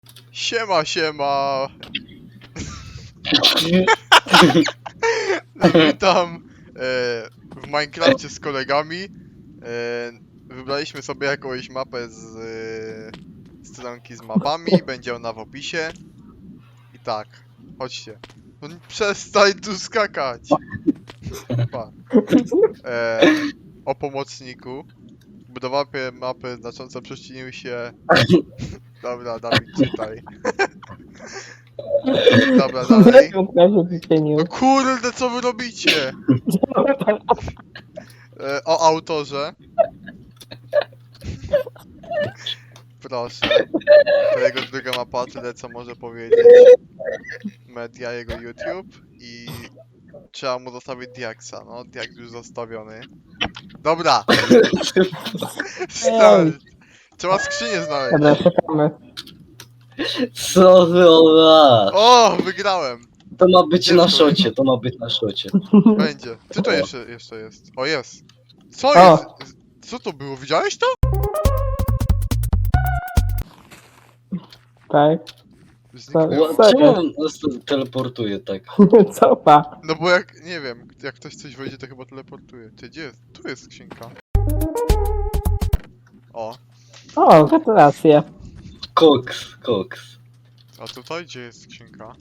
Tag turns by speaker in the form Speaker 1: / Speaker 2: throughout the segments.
Speaker 1: Siema, siema. Witam w Minecrafcie z kolegami. Wybraliśmy sobie jakąś mapę z stronki z mapami. Będzie ona w opisie. I tak, chodźcie. No, przestań tu skakać. Pa. O pomocniku. Budowa mapy znacząco przyczynił się... Dobra, Dawid, czytaj. Dobra, dalej. No kurde, co wy robicie? O autorze. Proszę. To jego druga mapa, tyle co może powiedzieć. Media, jego YouTube i trzeba mu zostawić Diaksa. No, Diaks już zostawiony. Dobra! Start! Trzeba skrzynię znaleźć.
Speaker 2: Dobra, czekamy.
Speaker 3: Co wy ona?
Speaker 1: O, wygrałem!
Speaker 3: To ma być
Speaker 1: Gdzie
Speaker 3: na
Speaker 1: jest
Speaker 3: szocie, to ma być na szocie.
Speaker 1: Będzie. Ty to jeszcze jest. O, jest. Co
Speaker 2: O.
Speaker 1: jest? Co to było? Widziałeś to?
Speaker 2: Tak.
Speaker 1: Zniknęło.
Speaker 2: Co
Speaker 3: Czemu
Speaker 2: jest?
Speaker 3: on nas teleportuje tak?
Speaker 2: Copa.
Speaker 1: No bo jak, nie wiem, jak ktoś coś wejdzie, to chyba teleportuje. Ty, gdzie jest? Tu jest skrzynka. O,
Speaker 2: O, gratulacje.
Speaker 3: Koks.
Speaker 1: a tutaj gdzie jest skrzynka?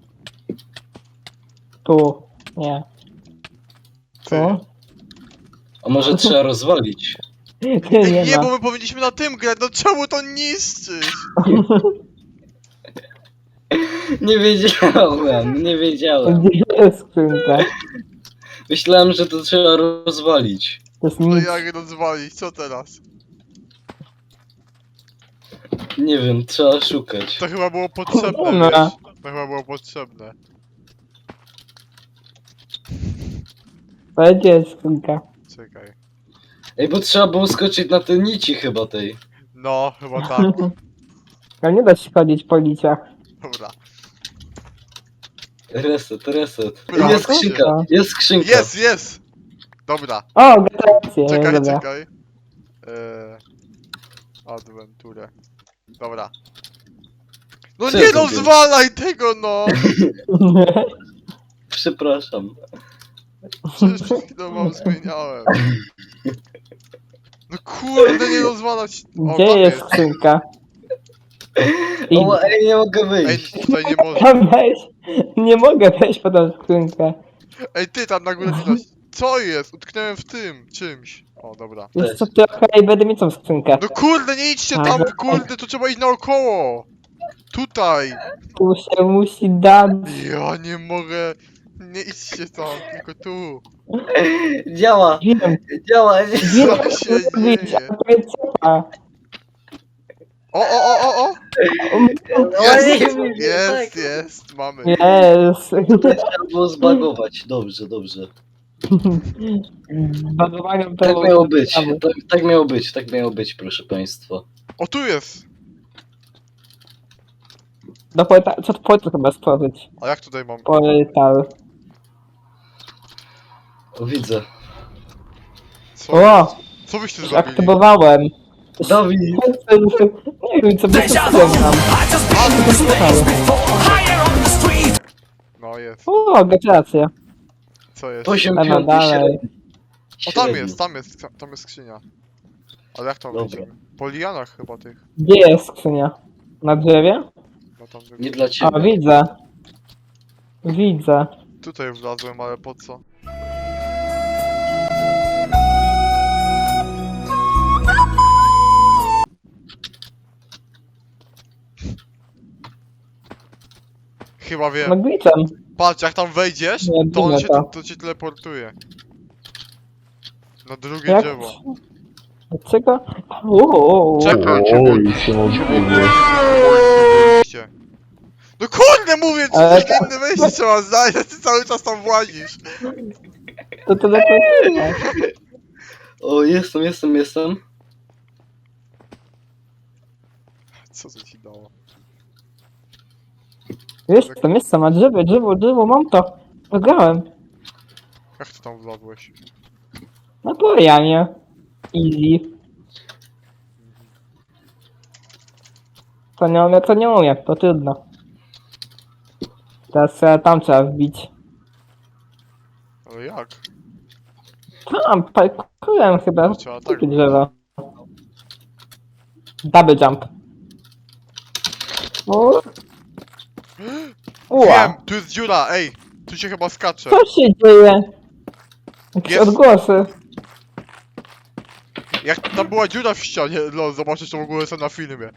Speaker 2: Tu. Nie.
Speaker 1: Ty.
Speaker 2: Tu.
Speaker 3: A może trzeba rozwalić?
Speaker 2: Nie,
Speaker 1: Ej,
Speaker 2: nie
Speaker 1: nie,
Speaker 2: ma.
Speaker 1: bo my powinniśmy na tym grać, no czemu to niszczysz?
Speaker 3: Nie wiedziałem.
Speaker 2: Gdzie jest skrzynka?
Speaker 3: Myślałem, że to trzeba rozwalić.
Speaker 2: To jest
Speaker 1: No
Speaker 2: nic.
Speaker 1: jak rozwalić, co teraz?
Speaker 3: Nie wiem, trzeba szukać.
Speaker 1: To chyba było potrzebne,
Speaker 2: Dobra.
Speaker 1: wiesz? To chyba było potrzebne.
Speaker 2: Ale gdzie jest skrzynka?
Speaker 1: Czekaj.
Speaker 3: Ej, bo trzeba było skoczyć na te nici chyba tej.
Speaker 1: No, chyba tak.
Speaker 2: Ale nie da się chodzić po liciach.
Speaker 1: Dobra.
Speaker 3: Reset.
Speaker 1: Dobra,
Speaker 3: Jest skrzynka, jest skrzynka.
Speaker 1: Jest! Dobra,
Speaker 2: O, gratulacje.
Speaker 1: czekaj,
Speaker 2: Dobra.
Speaker 1: czekaj. Adventure. Dobra. No
Speaker 3: Co
Speaker 1: nie
Speaker 3: ja zrobiłem?
Speaker 1: rozwalaj tego, no!
Speaker 3: Przepraszam.
Speaker 1: Przecież przed chwilą wam zmieniałem. No kurde, nie rozwalać. O,
Speaker 2: Gdzie
Speaker 1: tam
Speaker 2: jest skrzynka? I...
Speaker 3: O, ej, nie mogę
Speaker 1: Ej,
Speaker 3: wyjść.
Speaker 1: tutaj nie można.
Speaker 2: Tam wejść. Nie mogę wejść po tą skrzynkę.
Speaker 1: Ej, ty tam na górę widać. Co jest? Utknąłem w tym czymś. O, dobra.
Speaker 2: Wiesz co, trochę i będę mieć tą skrzynkę.
Speaker 1: No kurde, nie idźcie tam, kurde, to trzeba iść naokoło. Tutaj.
Speaker 2: Tu się musi dać.
Speaker 1: Ja nie mogę. Nie idźcie tam, tylko tu.
Speaker 3: Działa,
Speaker 2: Wiem,
Speaker 3: działa.
Speaker 2: wiem,
Speaker 1: Co się
Speaker 2: zrobić,
Speaker 1: dzieje?
Speaker 2: a to jest copa.
Speaker 1: O! Jest, mamy.
Speaker 2: Jest.
Speaker 3: Trzeba było zbagować. Dobrze.
Speaker 2: Bagowaniem to
Speaker 3: Tak
Speaker 2: było
Speaker 3: miało być.
Speaker 2: ciekawe.
Speaker 3: Tak miało być, proszę państwa.
Speaker 1: O, tu jest.
Speaker 2: Do portalu, co to portal chyba stworzyć?
Speaker 1: A jak tutaj mam?
Speaker 2: Portal.
Speaker 3: O, widzę.
Speaker 1: Co
Speaker 2: O!
Speaker 1: jest? Co byście zrobili?
Speaker 2: Aktywowałem.
Speaker 3: Dawid!
Speaker 2: Nie wiem co by to nam.
Speaker 1: No jest.
Speaker 2: O, gratulacje.
Speaker 1: Co jest?
Speaker 3: 8,
Speaker 2: Dobra,
Speaker 3: 5,
Speaker 2: dalej.
Speaker 1: O, tam jest skrzynia. Ale jak tam
Speaker 3: Dobra.
Speaker 1: wejdziemy? Po lianach chyba tych.
Speaker 2: Gdzie jest skrzynia? Na drzewie?
Speaker 1: No tam
Speaker 3: Nie dla
Speaker 2: O,
Speaker 3: ciebie.
Speaker 2: widzę. Widzę.
Speaker 1: Tutaj wlazłem, ale po co? Chyba wiem.
Speaker 2: No glitchem.
Speaker 1: Patrz, jak tam wejdziesz,
Speaker 2: Nie,
Speaker 1: to on
Speaker 2: widzę
Speaker 1: się
Speaker 2: to.
Speaker 1: to cię teleportuje. Na drugie
Speaker 2: Jak?
Speaker 1: drzewo.
Speaker 2: Dlaczego? Uuu.
Speaker 1: Czekaj, no kurde, mówię ci,
Speaker 2: Ale
Speaker 1: że inne wejście trzeba znaleźć, a ty cały czas tam włazisz.
Speaker 2: To lepiej.
Speaker 3: O, jestem.
Speaker 1: Co to ci dało?
Speaker 2: Jest tam, a drzewo, mam to. Wygrałem.
Speaker 1: Jak ty tam wlazłeś?
Speaker 2: No to ja nie. Easy. To nie umiem, to trudno. Teraz tam trzeba wbić.
Speaker 1: Ale jak?
Speaker 2: Tam, parkurem chyba.
Speaker 1: To trzeba tak
Speaker 2: Takie
Speaker 1: robić.
Speaker 2: drzewo. Double jump. O. Ua,
Speaker 1: Wiem, tu jest dziura, ej! Tu się chyba skacze.
Speaker 2: co się dzieje? Jakieś
Speaker 1: Jest.
Speaker 2: odgłosy.
Speaker 1: Jak tam była dziura w ścianie, no zobaczysz to w ogóle sobie na filmie.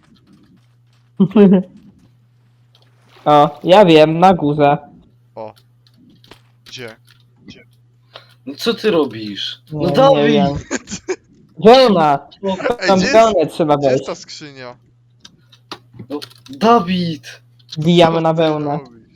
Speaker 2: O, ja wiem, na górze.
Speaker 1: Gdzie?
Speaker 3: No co ty robisz? No
Speaker 2: Nie
Speaker 3: Dawid!
Speaker 2: wiem. Gdzie ona?
Speaker 1: Ej,
Speaker 2: Tam
Speaker 1: gdzie jest,
Speaker 2: wełnę trzeba
Speaker 1: gdzie jest
Speaker 2: wejść.
Speaker 1: ta skrzynia?
Speaker 3: No, Dawid!
Speaker 2: Wbijamy
Speaker 1: Co
Speaker 2: na
Speaker 1: ty
Speaker 2: wełnę.
Speaker 1: robisz?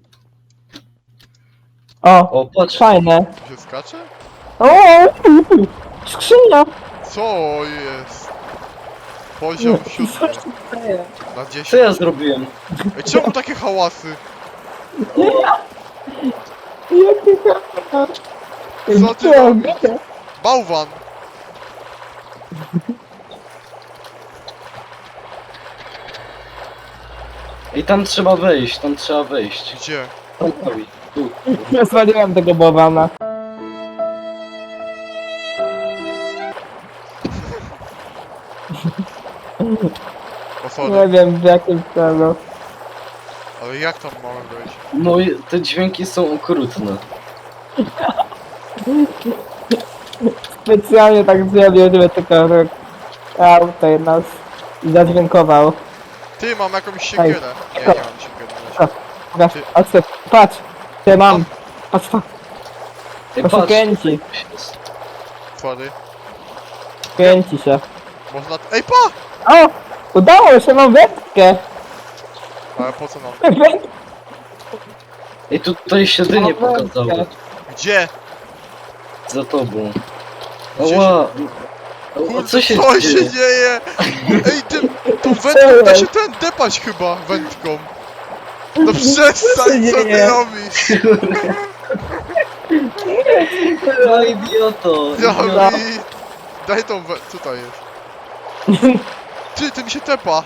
Speaker 2: O,
Speaker 3: O, patrz!
Speaker 2: fajne.
Speaker 1: Tu się skacze?
Speaker 2: O, skrzynia.
Speaker 1: Co jest? Poziom
Speaker 2: Co
Speaker 1: 7
Speaker 2: się dzieje?
Speaker 1: na 10.
Speaker 3: Co ja zrobiłem?
Speaker 1: Ej, czemu takie hałasy?
Speaker 2: Jaki kamer.
Speaker 1: Co ty robisz? Bałwan!
Speaker 3: Ej, tam trzeba wejść, tam trzeba wejść.
Speaker 1: Gdzie?
Speaker 3: Tam Dawid, tu.
Speaker 2: Zwaliłem tego bałwana.
Speaker 1: O sorry,
Speaker 2: Nie wiem w jakim celu.
Speaker 1: ale jak tam mamy wejść?
Speaker 3: No i te dźwięki są okrutne.
Speaker 2: Specjalnie tak zrobił, żeby tylko tutaj nas zadźwiękował.
Speaker 1: Ty, mam jakąś siekierę. Nie, nie mam siekiery.
Speaker 2: Co? Patrz, patrz, ty mam. Patrz,
Speaker 3: Ej,
Speaker 2: to się
Speaker 3: patrz,
Speaker 2: kręci,
Speaker 1: Sorry.
Speaker 2: kręci się.
Speaker 1: Można... Ej, pa!
Speaker 2: O! Udało się, mam wędkę!
Speaker 1: Ale po co nam?
Speaker 3: Ej, tutaj się dynie
Speaker 2: Mam
Speaker 3: pokazało.
Speaker 2: wędkę.
Speaker 1: Gdzie?
Speaker 3: Za tobą.
Speaker 1: Gdzie
Speaker 3: Ała! O,
Speaker 1: Kurde,
Speaker 3: co się
Speaker 1: co
Speaker 3: dzieje?
Speaker 1: się dzieje? Ej, tą wędką da się depać chyba wędką. No przestań, co ty
Speaker 2: dzieje?
Speaker 1: robisz?
Speaker 3: No idioto!
Speaker 1: Dawid! Daj tą co to jest? Ty mi się tepa!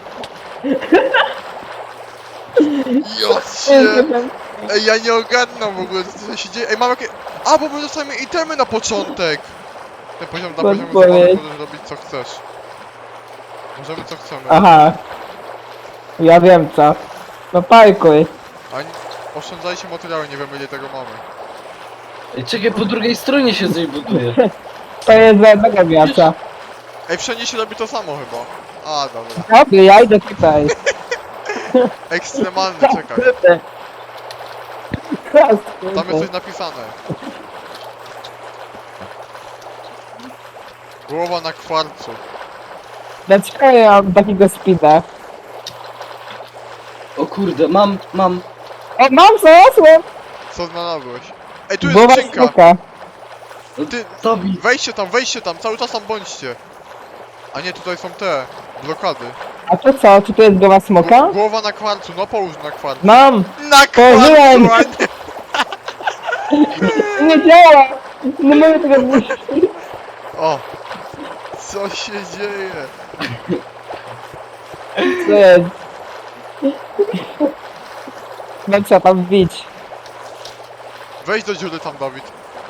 Speaker 1: Jocie! Ej, ja nie ogarnam w ogóle, co się dzieje. Ej, mam jakie... A, bo my dostajemy itemy na początek! Ten poziom, na poziomie
Speaker 2: Podpowiedź.
Speaker 1: zabawy możesz robić co chcesz. Możemy co chcemy.
Speaker 2: Aha. Ja wiem co. No parkuj.
Speaker 1: A oszczędzajcie materiały, nie wiemy ile tego mamy.
Speaker 3: Ej, czekaj, po drugiej stronie się coś buduje.
Speaker 2: To jest za jednego miasta.
Speaker 1: Ej, wszędzie się robi to samo chyba. A, dobra.
Speaker 2: Dobry, ja idę tutaj.
Speaker 1: Ekstremalny, czekaj.
Speaker 2: Kurde.
Speaker 1: Tam jest coś napisane. Głowa na kwarcu.
Speaker 2: Dlaczego ja mam takiego speeda?
Speaker 3: O kurde, mam.
Speaker 2: O, mam, znalazłem!
Speaker 1: Co znalazłeś? Ej, tu jest
Speaker 2: Głowa
Speaker 1: skrzynka!
Speaker 2: smoka.
Speaker 1: Ty,
Speaker 3: Dawid!
Speaker 1: wejdźcie tam, cały czas tam bądźcie. A nie, tutaj są te blokady.
Speaker 2: A to co? Czy to jest głowa smoka?
Speaker 1: Głowa na kwarcu, no połóż na kwarcu.
Speaker 2: Mam!
Speaker 1: Na
Speaker 2: Położyłem.
Speaker 1: kwarcu, a nie...
Speaker 2: Nie działa! Nie mogę tego zniszczyć.
Speaker 1: O! Co się dzieje?
Speaker 2: Co jest? No trzeba tam wbić.
Speaker 1: Wejdź do dziury tam, Dawid.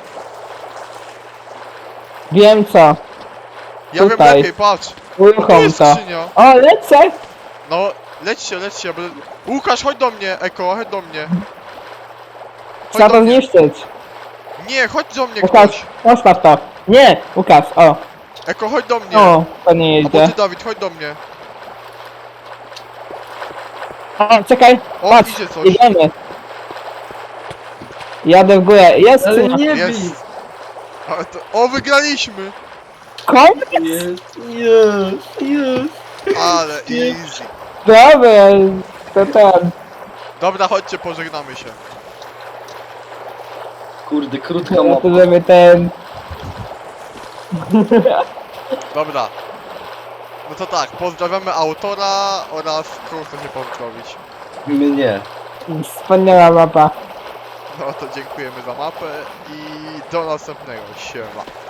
Speaker 2: Wiem co.
Speaker 1: Ja wiem
Speaker 2: Tutaj.
Speaker 1: lepiej, patrz. Tu
Speaker 2: Uruchom
Speaker 1: jest
Speaker 2: to.
Speaker 1: skrzynia.
Speaker 2: O, lecę!
Speaker 1: No, lećcie, bo... Łukasz, chodź do mnie, Eko, chodź do mnie.
Speaker 2: Trzeba
Speaker 1: do
Speaker 2: to
Speaker 1: mnie.
Speaker 2: zniszczyć.
Speaker 1: Nie, chodź do mnie
Speaker 2: Łukasz,
Speaker 1: ktoś.
Speaker 2: postaw to. Nie, Łukasz, o.
Speaker 1: Eko, chodź do mnie.
Speaker 2: O, to nie
Speaker 1: Albo
Speaker 2: jedzie.
Speaker 1: ty, Dawid, chodź do mnie.
Speaker 2: O, czekaj,
Speaker 1: O,
Speaker 2: patrz,
Speaker 1: idzie coś.
Speaker 2: idziemy. Jadę w górę, jest
Speaker 3: Ale
Speaker 2: skrzynia.
Speaker 3: nie bij!
Speaker 1: Jest. Ale to... O, wygraliśmy!
Speaker 2: Koniec!
Speaker 3: Jest!
Speaker 1: Ale easy.
Speaker 2: Dobra, to ten.
Speaker 1: Dobra, chodźcie, pożegnamy się.
Speaker 3: Kurde, krótka
Speaker 2: To
Speaker 3: mapa.
Speaker 2: żeby ten.
Speaker 1: Dobra. No to tak, pozdrawiamy autora oraz kogo chce się pozdrowić.
Speaker 3: Mnie.
Speaker 2: Wspaniała mapa.
Speaker 1: No to dziękujemy za mapę i do następnego. Siema.